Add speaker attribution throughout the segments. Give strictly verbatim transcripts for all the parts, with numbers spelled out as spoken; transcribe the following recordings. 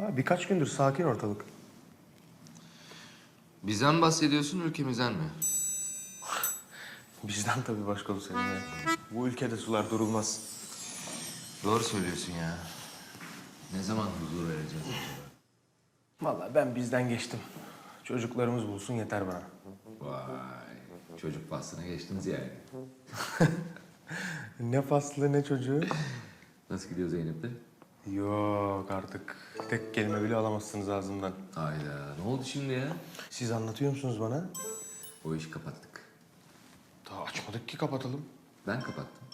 Speaker 1: Ha, birkaç gündür sakin ortalık.
Speaker 2: Bizden mi bahsediyorsun, ülkemizden mi?
Speaker 1: Bizden tabii başkomiserim ya. Bu ülkede sular durulmaz.
Speaker 2: Doğru söylüyorsun ya. Ne zaman huzur vereceğiz acaba?
Speaker 1: Vallahi ben bizden geçtim. Çocuklarımız bulsun yeter bana.
Speaker 2: Vay, çocuk faslına geçtiniz yani.
Speaker 1: Ne faslı ne çocuğu.
Speaker 2: Nasıl gidiyor Zeynep'te?
Speaker 1: Yok artık. Tek kelime bile alamazsınız ağzımdan.
Speaker 2: Hayda, ne oldu şimdi ya?
Speaker 1: Siz anlatıyor musunuz bana?
Speaker 2: O işi kapattık.
Speaker 1: Daha açmadık ki kapatalım.
Speaker 2: Ben kapattım.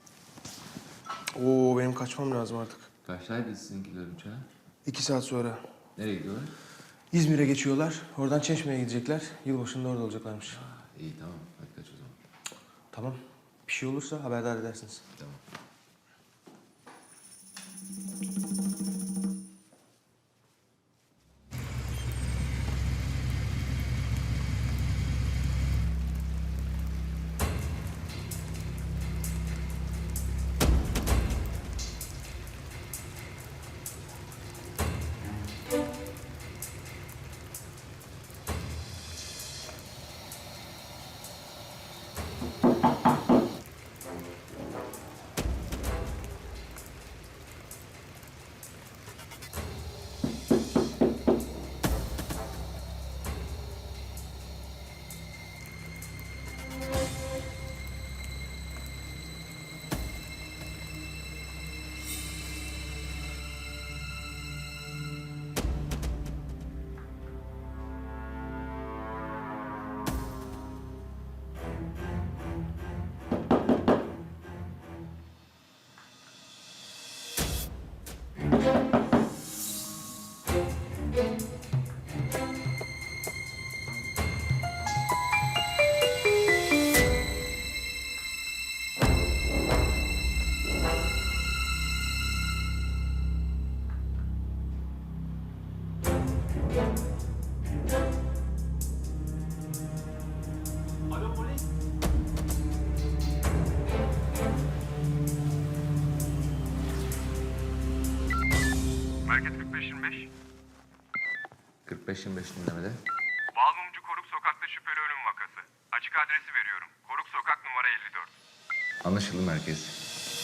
Speaker 1: Oo benim kaçmam lazım artık.
Speaker 2: Kaçtaydı sizinkiler uçağa?
Speaker 1: İki saat sonra.
Speaker 2: Nereye gidiyorlar?
Speaker 1: İzmir'e geçiyorlar. Oradan Çeşme'ye gidecekler. Yılbaşında orada olacaklarmış.
Speaker 2: İyi tamam, hadi kaç o zaman.
Speaker 1: Tamam. Bir şey olursa haberdar edersiniz.
Speaker 2: Tamam.
Speaker 3: Alo polis. Merkez kırk beş yirmi beş.
Speaker 2: kırk beş yirmi beş dinlemede.
Speaker 3: Balmumcu Koruk Sokak'ta şüpheli ölüm vakası. Açık adresi veriyorum. Koruk Sokak numara elli dört.
Speaker 2: Anlaşıldı merkez.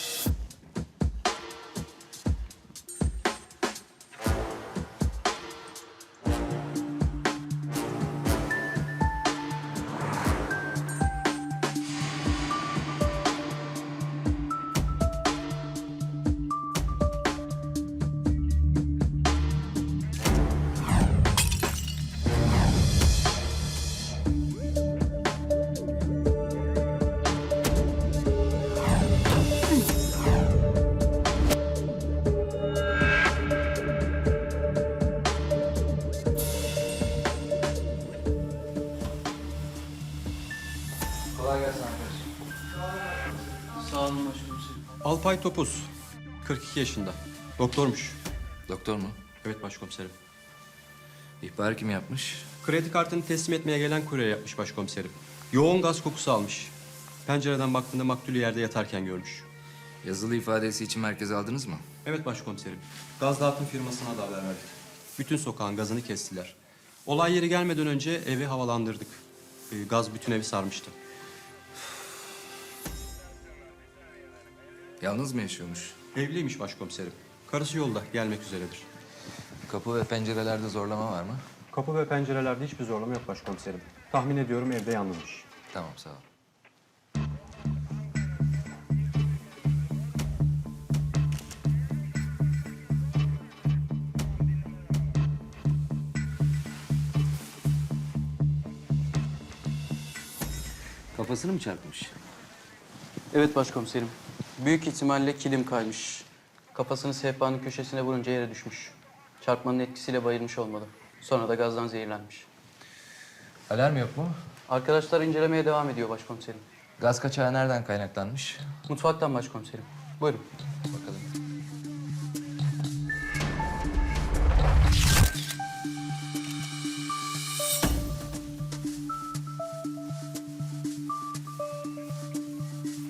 Speaker 2: Kolay gelsin arkadaşlar.
Speaker 4: Sağ olun başkomiserim.
Speaker 5: Alpay Topuz, kırk iki yaşında. Doktormuş.
Speaker 2: Doktor mu?
Speaker 5: Evet başkomiserim.
Speaker 2: İhbarı kim yapmış?
Speaker 5: Kredi kartını teslim etmeye gelen kurye yapmış başkomiserim. Yoğun gaz kokusu almış. Pencereden baktığında maktulü yerde yatarken görmüş.
Speaker 2: Yazılı ifadesi için merkeze aldınız mı?
Speaker 5: Evet başkomiserim. Gaz dağıtım firmasına da haber verdik. Bütün sokağın gazını kestiler. Olay yeri gelmeden önce evi havalandırdık. Ee, gaz bütün evi sarmıştı.
Speaker 2: Yalnız mı yaşıyormuş?
Speaker 5: Evliymiş başkomiserim. Karısı yolda, gelmek üzeredir.
Speaker 2: Kapı ve pencerelerde zorlama var mı?
Speaker 5: Kapı ve pencerelerde hiçbir zorlama yok başkomiserim. Tahmin ediyorum evde yalnızmış.
Speaker 2: Tamam sağ ol. Kafasını mı çarpmış?
Speaker 4: Evet başkomiserim. Büyük ihtimalle kilim kaymış. Kafasını sehpanın köşesine vurunca yere düşmüş. Çarpmanın etkisiyle bayılmış olmalı. Sonra da gazdan zehirlenmiş.
Speaker 2: Alarm yok mu?
Speaker 4: Arkadaşlar incelemeye devam ediyor başkomiserim.
Speaker 2: Gaz kaçağı nereden kaynaklanmış?
Speaker 4: Mutfaktan başkomiserim. Buyurun.
Speaker 2: Bakalım.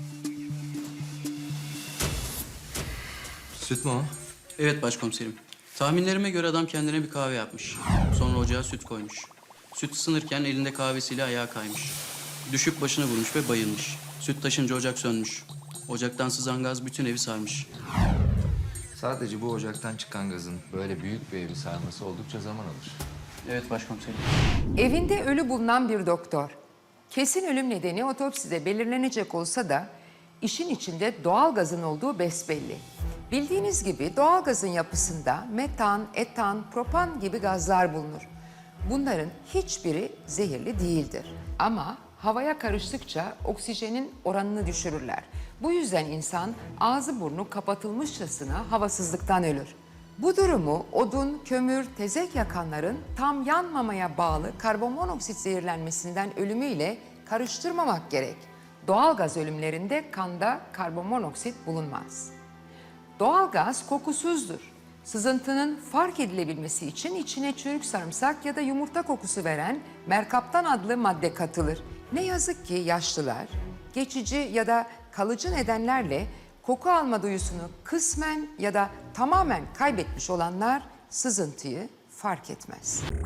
Speaker 2: Süt mü o?
Speaker 4: Evet başkomiserim. Tahminlerime göre adam kendine bir kahve yapmış. Sonra ocağa süt koymuş. Süt ısınırken elinde kahvesiyle ayağa kaymış. Düşüp başını vurmuş ve bayılmış. Süt taşınca ocak sönmüş. Ocaktan sızan gaz bütün evi sarmış.
Speaker 2: Sadece bu ocaktan çıkan gazın böyle büyük bir evi sarması oldukça zaman alır.
Speaker 4: Evet başkomiserim.
Speaker 6: Evinde ölü bulunan bir doktor. Kesin ölüm nedeni otopside belirlenecek olsa da işin içinde doğal gazın olduğu besbelli. Bildiğiniz gibi doğal gazın yapısında metan, etan, propan gibi gazlar bulunur. Bunların hiçbiri zehirli değildir. Ama havaya karıştıkça oksijenin oranını düşürürler. Bu yüzden insan ağzı burnu kapatılmışçasına havasızlıktan ölür. Bu durumu odun, kömür, tezek yakanların tam yanmamaya bağlı karbonmonoksit zehirlenmesinden ölümüyle karıştırmamak gerek. Doğal gaz ölümlerinde kanda karbonmonoksit bulunmaz. Doğal gaz kokusuzdur. Sızıntının fark edilebilmesi için içine çürük sarımsak ya da yumurta kokusu veren merkaptan adlı madde katılır. Ne yazık ki yaşlılar geçici ya da kalıcı nedenlerle koku alma duyusunu kısmen ya da tamamen kaybetmiş olanlar sızıntıyı fark etmez.